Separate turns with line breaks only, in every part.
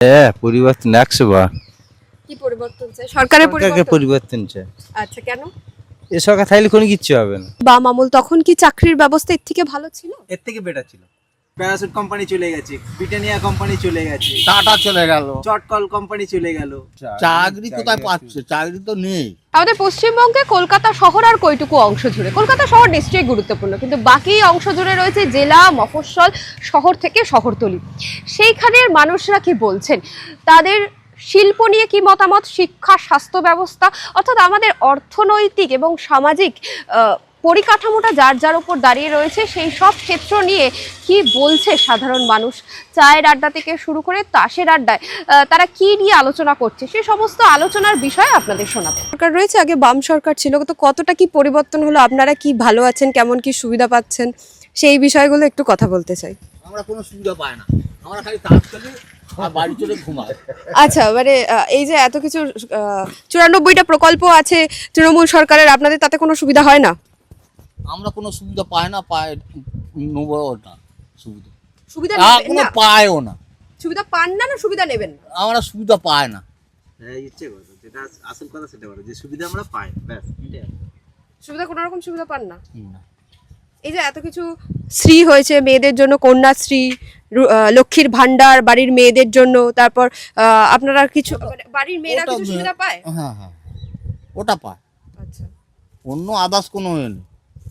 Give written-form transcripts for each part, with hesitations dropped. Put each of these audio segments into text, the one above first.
হ্যাঁ, পরিবর্তন ১০০ বার।
কি পরিবর্তন চাই? সরকারের
সরকারকে
পরিবর্তন।
পরিবর্তন চাই।
আচ্ছা, কেন?
এ সরকার থাকলে কোনো কিচ্ছু হবে না।
বাম আমল তখন কি চাকরির ব্যবস্থা এর থেকে ভালো ছিল?
এর থেকে বেটার ছিল। প্যারাসুট কোম্পানি চলে গেছে, ব্রিটানিয়া কোম্পানি চলে গেছে,
টাটা চলে গেল,
চটকল কোম্পানি চলে গেল।
চাকরি কোথায় পাচ্ছে? চাকরি তো নেই।
আমাদের পশ্চিমবঙ্গে কলকাতা শহর আর কয়টুকু অংশ জুড়ে, কলকাতা শহর নিশ্চয়ই গুরুত্বপূর্ণ, কিন্তু বাকি অংশ জুড়ে রয়েছে জেলা, মফস্বল, শহর থেকে শহরতলি। সেইখানের মানুষরা কি বলছেন, তাদের শিল্প নিয়ে কি মতামত, শিক্ষা, স্বাস্থ্য ব্যবস্থা, অর্থাৎ আমাদের অর্থনৈতিক এবং সামাজিক পরিকাঠামোটা যার যার উপর দাঁড়িয়ে রয়েছে, সেই সব ক্ষেত্র নিয়ে কি বলছে সাধারণ মানুষ, চায়ের আড্ডা থেকে শুরু করে তাসের আড্ডায় তারা কি নিয়ে আলোচনা করছে, সেই সমস্ত আলোচনার বিষয়ে আপনাদের শোনাবো। সরকার রয়েছে, আগে বাম সরকার ছিল, তো কতটা কি পরিবর্তন হলো, আপনারা কি ভালো আছেন, কেমন কি সুবিধা পাচ্ছেন, সেই বিষয়গুলো একটু কথা বলতে চাই।
আমরা কোনো সুবিধা পাই না, আমরা খালি তাস খেলি আর বাড়ি চলে ঘুমাই।
আচ্ছা, মানে এই যে এত কিছু 94টা প্রকল্প আছে তৃণমূল সরকারের, আপনাদের তাতে কোনো সুবিধা হয় না?
আমরা কোনো সুবিধা পাই না, নেবো না সুবিধা,
সুবিধা
কোনো পাইও না।
সুবিধা পান না, না সুবিধা নেবেন না?
আমরা সুবিধা পাই না।
হ্যাঁ, ইচ্ছে কথা, যেটা আসল কথা সেটা বলো, যে সুবিধা আমরা পাই, ব্যাস এটাই।
সুবিধা কোনো রকম সুবিধা পান না?
না।
এই যে এত কিছু শ্রী হয়েছে মেয়েদের জন্য, কন্যাশ্রী, লক্ষ্মীর ভান্ডার বাড়ির মেয়েদের জন্য, তারপর আপনারা কিছু মানে বাড়ির মেয়েরা
ওটা
কিছু সুবিধা পায়?
হ্যাঁ হ্যাঁ, ওটা পায়,
আচ্ছা।
অন্য আদার্স কোনো ইয়ে নেই।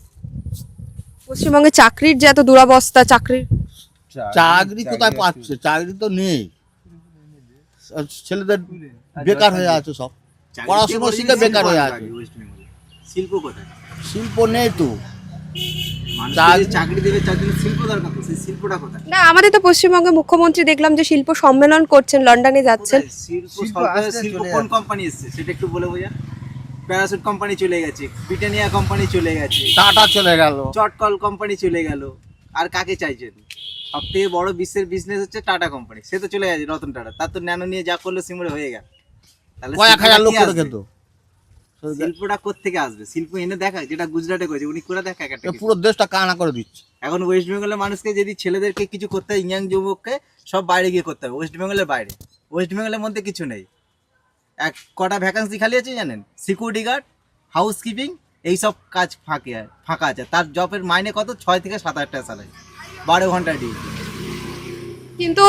পশ্চিমবঙ্গে চাকরির যে এত দুরবস্থা, চাকরির
চাকরি কোথায় পাচ্ছে? চাকরি তো নেই, ছেলেদের বেকার হয়ে আছে, সব পড়াশোনা শিখে বেকার হয়ে আছে।
শিল্প কোথায়?
শিল্প নেই তো।
চাকরি দেবে, চাকরি শিল্প দরকার, তো সেই শিল্পটা কোথায়?
না, আমাদের তো পশ্চিমবঙ্গে মুখ্যমন্ত্রী দেখলাম যে শিল্প সম্মেলন করছেন, লন্ডনে যাচ্ছেন।
শিল্প কোন কোম্পানি এসছে সেটা একটু বলে বোঝা। প্যারাসুট কোম্পানি চলে গেছে, ব্রিটানিয়া কোম্পানি চলে গেছে,
টাটা চলে গেল,
চটকল কোম্পানি চলে গেল। আর কাকে চাইছেন? সব থেকে বড় বিশ্বের বিজনেস হচ্ছে টাটা কোম্পানি, সে তো চলে গেছে, রতন টাটা। তার তো ন্যানো নিয়ে যা করলো সিমরে হয়ে গেল। তাহলে
কয়েক হাজার লোক করে খেত।
শিল্পটা কোত্থেকে আসবে? শিল্প এনে দেখায়, যেটা গুজরাটে করেছে উনি করে দেখায় একটা কিছু।
পুরো দেশটা কানা করে দিচ্ছে।
এখন ওয়েস্ট বেঙ্গলের মানুষকে যদি ছেলেদেরকে কিছু করতে হয়, ইয়াং যুবককে সব বাইরে গিয়ে করতে হবে, ওয়েস্ট বেঙ্গলের বাইরে। ওয়েস্ট বেঙ্গলের মধ্যে কিছু নেই। এক কটা ভ্যাকান্সি খালি আছে জানেন, সিকিউরিটি গার্ড, হাউসকিপিং, এইসব কাজ ফাঁকা আছে। তার জবের মাইনে কত? 6 থেকে 7 হাজার টাকা স্যালারি, 12 ঘন্টা ডিউটি।
কিন্তু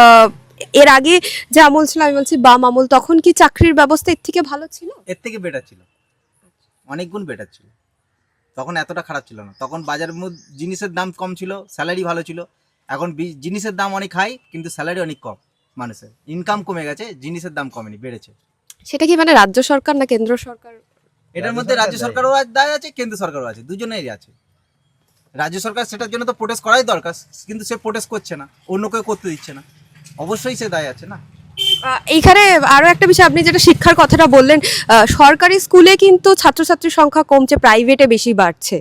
এর আগে যে আমল ছিল, আমি বলছি বাম আমল, তখন কি চাকরির ব্যবস্থা এর থেকে ভালো ছিল?
এর থেকে বেটার ছিল, অনেক গুণ বেটার ছিল। তখন এতটা খারাপ ছিল না। তখন বাজারের মধ্যে জিনিসের দাম কম ছিল, স্যালারি ভালো ছিল। এখন জিনিসের দাম অনেক হাই, কিন্তু স্যালারি অনেক কম। মানুষের ইনকাম কমে গেছে, জিনিসের দাম কমেনি, বেড়েছে।
সেটা কি মানে রাজ্য সরকার না কেন্দ্র সরকার?
এটার মধ্যে রাজ্য সরকারও দায় আছে, কেন্দ্র সরকারও আছে, দুজনেরই আছে। রাজ্য সরকার সেটার জন্য তো প্রোটেস্ট করাই দরকার, কিন্তু সে প্রোটেস্ট করছে না, অন্য কেউ করতে দিচ্ছে না, অবশ্যই সে দায় আছে না।
এইখানে আরো একটা বিষয়, আপনি যেটা শিক্ষার কথাটা বললেন, সরকারি স্কুলে কিন্তু ছাত্রছাত্রীর সংখ্যা কমছে, প্রাইভেটে বেশি বাড়ছে।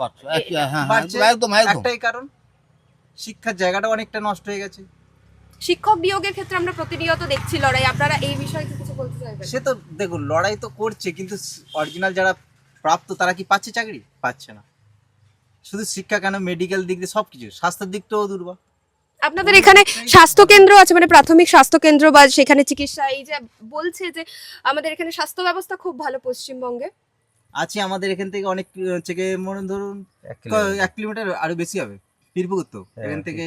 বাড়ছে,
একদম
একটাই কারণ, শিক্ষার জায়গাটা অনেকটা নষ্ট হয়ে গেছে।
শিক্ষক নিয়োগের ক্ষেত্রে আমরা প্রতিনিয়ত দেখছি লড়াই, আপনারা এই বিষয়ে কিছু বলতে চাইবেন?
সে তো দেখুন, লড়াই তো করছে, কিন্তু অরিজিনাল যারা প্রাপ্ত তারা কি পাচ্ছে? চাকরি পাচ্ছে না। শুধু শিক্ষা কেন, মেডিকেল দিক দিয়ে সবকিছু, স্বাস্থ্যের দিকটাও দুর্বল।
আপনাদের এখানে স্বাস্থ্য কেন্দ্র আছে, মানে প্রাথমিক স্বাস্থ্য কেন্দ্র বা সেখানে চিকিৎসা, এই যে বলছে যে আমাদের এখানে স্বাস্থ্য ব্যবস্থা খুব ভালো পশ্চিমবঙ্গে
আছে। আমাদের এখান থেকে অনেক থেকে মনে ধরুন 1 কিলোমিটার আরো বেশি হবে, পীরপুকুর তো এখান থেকে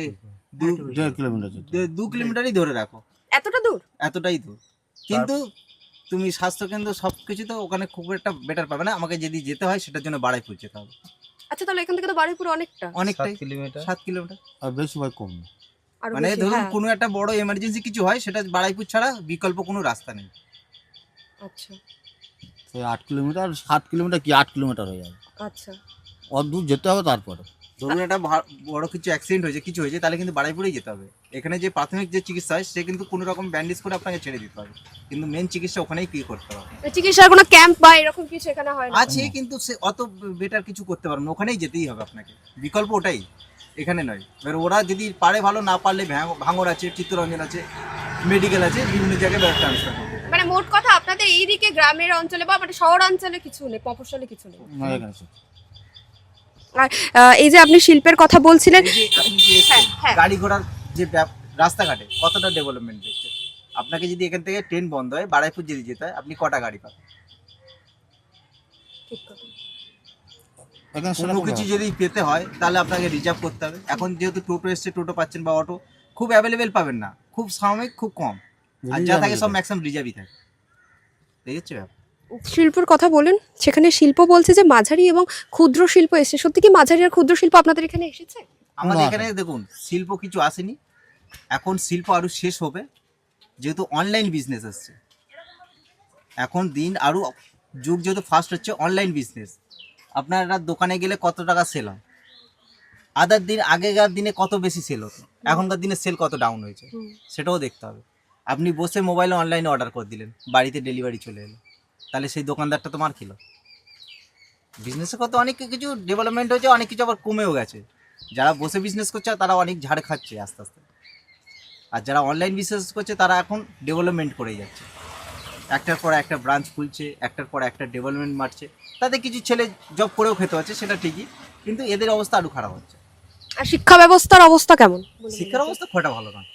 2 কিলোমিটারই ধরে রাখো,
এতটা দূর,
এতটাই দূর। কিন্তু তুমি স্বাস্থ্যকেন্দ্র সবকিছু তো ওখানে খুব একটা বেটার পাবে না। আমাকে যদি যেতে হয় সেটার জন্য বাড়াইপুর যেতে হবে।
আচ্ছা, তাহলে এখান থেকে তো বারুইপুর
অনেকটাই,
7 কিলোমিটার।
7 কিলোমিটার।
আর বেশি ভাই কম না।
মানে ধরুন কোনো একটা বড় এমার্জেন্সি কিছু হয়, সেটা বাড়াইপুর ছাড়া বিকল্প কোনো রাস্তা নেই।
আচ্ছা,
সেই 8 কিলোমিটার, 7 কিলোমিটার কি 8 কিলোমিটার হয়ে যাবে।
আচ্ছা,
অত দূর যেতে হবে। তারপরে
ধরুন একটা বড় কিছু অ্যাক্সিডেন্ট হয়েছে, কিছু হয়েছে, তাহলে কিন্তু বাড়াইপুরেই যেতে হবে। এখানে যে প্রাথমিক যে চিকিৎসা হয়, সে কিন্তু কোনো রকম ব্যান্ডেজ করে আপনাকে ছেড়ে দিতে হবে, কিন্তু মেন চিকিৎসা ওখানেই কি করতে হবে।
চিকিৎসার কোনো ক্যাম্প বা এরকম কিছু এখানে হয় না?
আছে, কিন্তু সে অত বেটার কিছু করতে পারবে না, ওখানেই যেতেই হবে আপনাকে, বিকল্প ওটাই, এখানে নয়। এবার ওরা যদি পারে ভালো, না পারলে ভাঙর আছে, চিত্তরঞ্জন আছে, মেডিকেল আছে, বিভিন্ন জায়গায় ট্রান্সফার করবে।
মানে মোট কথা আপনাদের এইদিকে গ্রামের অঞ্চলে বা মানে শহর অঞ্চলে কিছু নেই, মফস্বলে কিছু নেই। আর এই যে আপনি শিল্পের কথা বলছিলেন,
এই যে আপনি যে
হ্যাঁ, হ্যাঁ।
গাড়ি ঘোড়ার যে রাস্তাঘাটে কতটা ডেভেলপমেন্ট দেখছে, আপনাকে যদি এখান থেকে ট্রেন বন্ধ হয়, বারুইপুর যদি যেতে হয়, আপনি কটা গাড়ি পাবেন? কোনো কিছু যদি পেতে হয় তাহলে আপনাকে রিজার্ভ করতে হবে। এখন যেহেতু টোটো এসছে, টোটো পাচ্ছেন বা অটো খুব অ্যাভেলেবেল পাবেন না, খুব সাময়িক, খুব কম, আর যা থাকে সব ম্যাক্সিমাম রিজার্ভই থাকে। দেখেছো ব্যাপার।
শিল্পর কথা বলেন, সেখানে শিল্প বলছে যে মাঝারি এবং ক্ষুদ্র শিল্প এসেছে। সত্যি কি মাঝারি আর ক্ষুদ্র শিল্প আপনাদের এখানে এসেছে?
আমাদের
না।
এখানে দেখুন শিল্প কিছু আসেনি, এখন শিল্প আরো শেষ হবে, যেহেতু অনলাইন বিজনেস আসছে। এখন দিন আরো যুগ যেহেতু ফাস্ট হচ্ছে, অনলাইন বিজনেস। আপনারা দোকানে গেলে কত টাকা সেল হয়, আদার দিন আগেকার দিনে কত বেশি সেল হতো, এখনকার দিনে সেল কত ডাউন হয়েছে, সেটাও দেখতে হবে। আপনি বসে মোবাইলে অনলাইনে অর্ডার করে দিলেন, বাড়িতে ডেলিভারি চলে এলো, তাহলে সেই দোকানদারটা তো মার খেলো। বিজনেসে কত অনেক কিছু ডেভেলপমেন্ট হয়েছে, অনেক কিছু আবার কমেও গেছে। যারা বসে বিজনেস করছে তারা অনেক ঝাড় খাচ্ছে আস্তে আস্তে, আর যারা অনলাইন বিজনেস করছে তারা এখন ডেভেলপমেন্ট করেই যাচ্ছে, একটার পর একটা ব্রাঞ্চ খুলছে, একটার পর একটা ডেভেলপমেন্ট মারছে। তাতে কিছু ছেলে জব করেও খেতে হচ্ছে, সেটা ঠিকই, কিন্তু এদের অবস্থা আরও খারাপ হচ্ছে।
আর শিক্ষা ব্যবস্থার অবস্থা কেমন?
শিক্ষার অবস্থা খুব একটা ভালো না,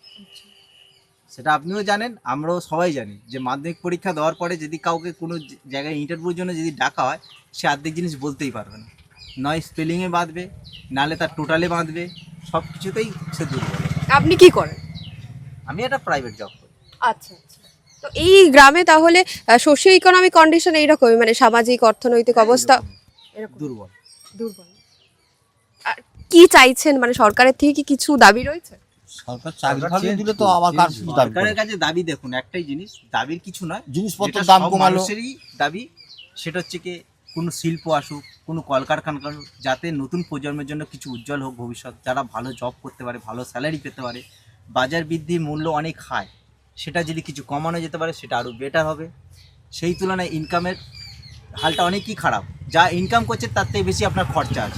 সেটা আপনিও জানেন, আমরাও সবাই জানি যে মাধ্যমিক পরীক্ষা দেওয়ার পরে যদি কাউকে কোনো জায়গায় ইন্টারভিউর জন্য যদি ডাকা হয়, সে অর্ধেক জিনিস বলতেই পারবে না, নয় স্পেলিংয়ে বাঁধবে, নাহলে তার টোটালে বাঁধবে, সব কিছুতেই সে দুর্বল।
আপনি কি করেন?
আমি একটা প্রাইভেট জব করি।
আচ্ছা আচ্ছা। তো এই গ্রামে তাহলে সোশিও ইকোনমিক কন্ডিশন এইরকমই, মানে সামাজিক অর্থনৈতিক অবস্থা এরকম
দুর্বল।
দুর্বল। আর কি চাইছেন, মানে সরকারের থেকে কি কিছু দাবি রয়েছে?
সরকার চাকরি ফাকরি দিলে তো আবার কার শুধু দাবি করে?
সরকারের কাছে দাবি দেখুন একটাই জিনিস, দাবির কিছু নয়,
জিনিসপত্রের
যেটা
দাম
সব
কমালো।
মানুষেরই দাবি, সেটা হচ্ছে কি কোনো শিল্প আসুক, কোনো কলকারখানা আসুক, যাতে নতুন প্রজন্মের জন্য কিছু উজ্জ্বল হোক ভবিষ্যৎ, যারা ভালো জব করতে পারে, ভালো স্যালারি পেতে পারে। বাজার বৃদ্ধি, মূল্য অনেক হাই, সেটা যদি কিছু কমানো যেতে পারে সেটা আরও বেটার হবে। সেই তুলনায় ইনকামের হালটা অনেকই খারাপ, যা ইনকাম করছে তার থেকে বেশি আপনার খরচা আছে।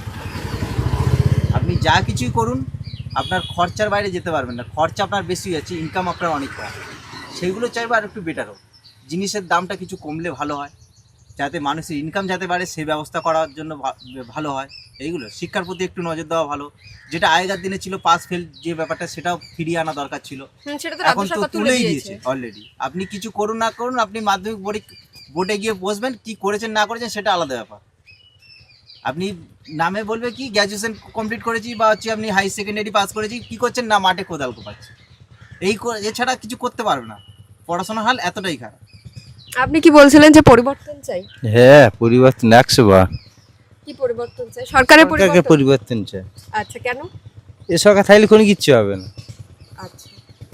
আপনি যা কিছুই করুন আপনার খরচার বাইরে যেতে পারবেন না, খরচা আপনার বেশি আছে, ইনকাম আপনার অনেক কম। সেইগুলো চাইবো আর একটু বেটার হোক, জিনিসের দামটা কিছু কমলে ভালো হয়, যাতে মানুষের ইনকাম যাতে বাড়ে সেই ব্যবস্থা করার জন্য ভালো হয়। এইগুলো শিক্ষার প্রতি একটু নজর দেওয়া ভালো, যেটা আগেকার দিনে ছিল পাস ফেল যে ব্যাপারটা, সেটাও ফিরিয়ে আনা দরকার ছিল,
সেটা তো
এখন
রাজ্য
তো
সরকার তুলে
তুলেই
দিয়েছে।
দিয়েছে অলরেডি। আপনি কিছু করুন না করুন, আপনি মাধ্যমিক বোর্ডে গিয়ে বসবেন, কি করেছেন না করেছেন সেটা আলাদা ব্যাপার। আপনি নামে বলবে কি গ্র্যাজুয়েশন কমপ্লিট করেছি, বা হচ্ছে আপনি হাই সেকেন্ডারি পাস করেছি, কি করছেন না মাঠে কোদাল কোপাচ্ছে, এছাড়া কিছু করতে পারবে না। পড়াশোনার হাল এতটাই খারাপ।
আপনি কি বলছিলেন যে পরিবর্তন চাই?
হ্যাঁ, পরিবর্তন 100 বার।
কি পরিবর্তন চাই? সরকারের
সরকারকে
পরিবর্তন।
পরিবর্তন চাই।
আচ্ছা, কেন?
এ সরকার থাকলে কোনো কিচ্ছু হবে না।
আচ্ছা,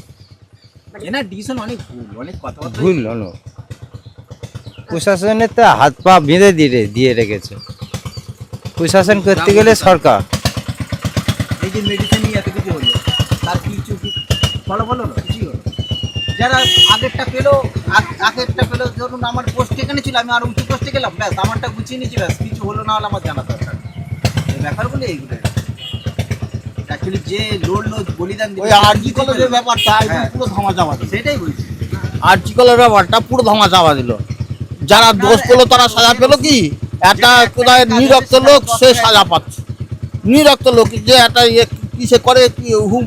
এনার ডিসিশন অনেক ভুল, অনেক কথাবার্তা
ভুল হলো, প্রশাসনের তো হাত পা বেঁধে দিয়ে রেখেছে। প্রশাসন করতে গেলে সরকার।
এই যে মেডিসিন নিয়ে এত কিছু হলো, তার কিছু ফলাফল হলো, কিছুই হলো। যারা আগেরটা পেলো, ধরুন আমার পোস্ট এখানে ছিল, আমি আরো উঁচু পোস্টে গেলাম, ব্যাস আমারটা গুছিয়ে নিয়েছি, ব্যাস কিছু হলো না হলো আমার জানা দরকার। এই ব্যাপারগুলো এইগুলো অ্যাকচুয়ালি যে লড়লো, বলিদান দিল,
ওই আরজি কলেজের ব্যাপারটা একদম পুরো ধামা চাপা দিল।
সেটাই বলছি।
আরজি কলেজের ব্যাপারটা পুরো ধামা চাপা দিল। যারা দোষ করলো তারা সাজা পেলো কি? একটা কোথায় নিরক্ত লোক সে সাজা পাচ্ছে, নিরক্ত লোক যে একটা কিসে করে কি হুম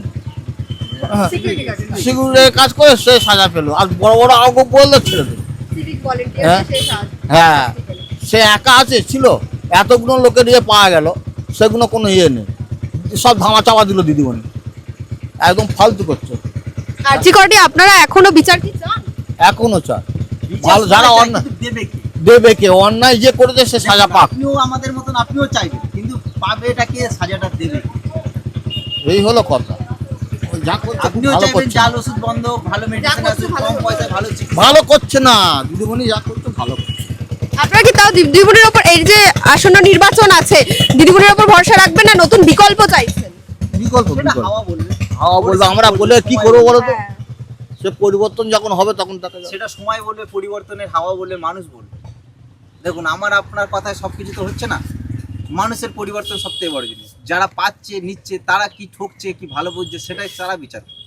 সিকিউরিটির কাজ করে সে সাজা পেলো, আর বড় বড় আগে বললে ছেড়ে দেবে।
সিভিক ভলেন্টিয়ার
হ্যাঁ?
শেষ আজ।
হ্যাঁ, সে একা আছে ছিল, এতগুলো লোকের ইয়ে পাওয়া গেল, সেগুলো কোনো ইয়ে নেই, সব ধামা চাপা দিল দিদিমণি, একদম ফালতু করছে।
আরজি করেনি, আপনারা এখনো বিচার কি চান?
এখনো চায় ভালো, যারা অন্যায়
কিন্তু দেবে কি?
দেবে কে, অন্যায় যে করেছে সে সাজা পাক,
আপনিও আমাদের মতন আপনিও চাইবেন, কিন্তু পাবে এটা কে, সাজাটা দেবে কে?
এই হলো কথা। ওই যা করছে খুব
আপনিও
ভালো
চাইবেন
করছে,
জাল ওষুধ বন্ধ, ভালো মেডিসিন
করছে
আছে,
ভালো
কম
করছে।
পয়সায় ভালো চিকিৎসা।
ভালো করছে না দিদিমণি, যা করছে ভালো করছে।
আপনারা কি তাও দিদিমণির ওপর, এই যে আসন্ন নির্বাচন আছে, দিদিমণির ওপর ভরসা রাখবেন না নতুন বিকল্প চাইছেন?
বিকল্প
সেটা
বিকল্প
হাওয়া বলবে,
হাওয়া বলবে, আমরা বলে কি করবো বলো তো?
হ্যাঁ।
সে পরিবর্তন যখন হবে তখন তাকে
সেটা সময় বলবে, পরিবর্তনের হাওয়া বলবে, মানুষ বলবে। দেখুন আমার আপনার কথায় সবকিছু তো হচ্ছে না, মানুষের পরিবর্তন সবথেকে বড় জিনিস। যারা পাচ্ছে নিচ্ছে, তারা কি ঠকছে কি ভালো বুঝছে, সেটাই তারা বিচার করে।